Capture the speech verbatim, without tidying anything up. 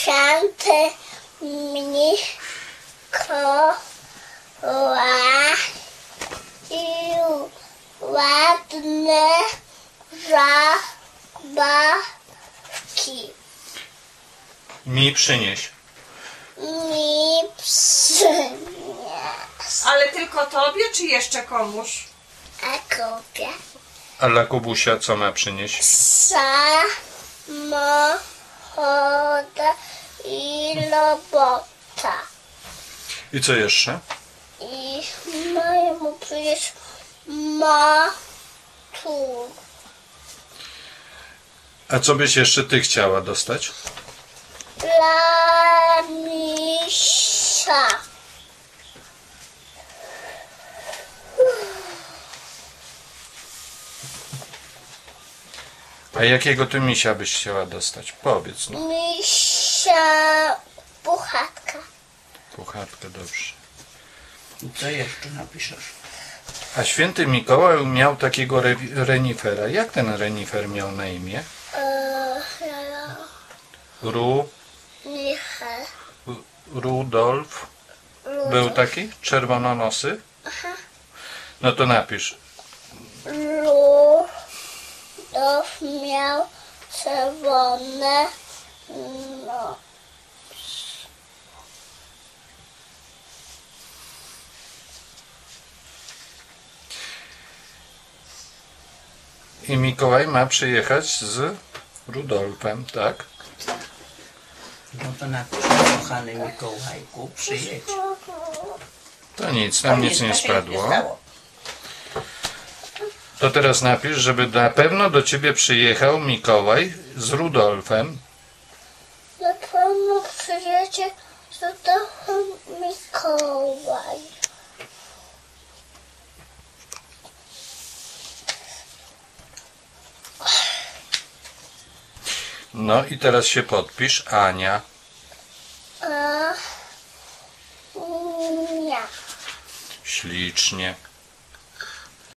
Święty Mikołaj i ładne zabawki Mi przynieś. mi przyniósł. Ale tylko tobie, czy jeszcze komuś? A kupię A dla Kubusia co ma przynieść? samochód i robota. I co jeszcze? I mojemu przecież ma tu. A co byś jeszcze ty chciała dostać? Dla misia. A jakiego ty misia byś chciała dostać? Powiedz no. Misia puchatka. Puchatkę, dobrze. I co jeszcze napiszesz? A święty Mikołaj miał takiego re renifera. Jak ten renifer miał na imię? Eee, Ru... Michał. Rudolf. Był taki? Czerwononosy? No to napisz. Rudolf miał czerwone no. I Mikołaj ma przyjechać z Rudolfem, tak? No to napisz, kochany Mikołajku, przyjedź. To nic, tam nic nie spadło. To teraz napisz, żeby na pewno do ciebie przyjechał Mikołaj z Rudolfem. Na pewno przyjedzie Rudolf Mikołaj. No i teraz się podpisz, Ania. A nie. Ślicznie.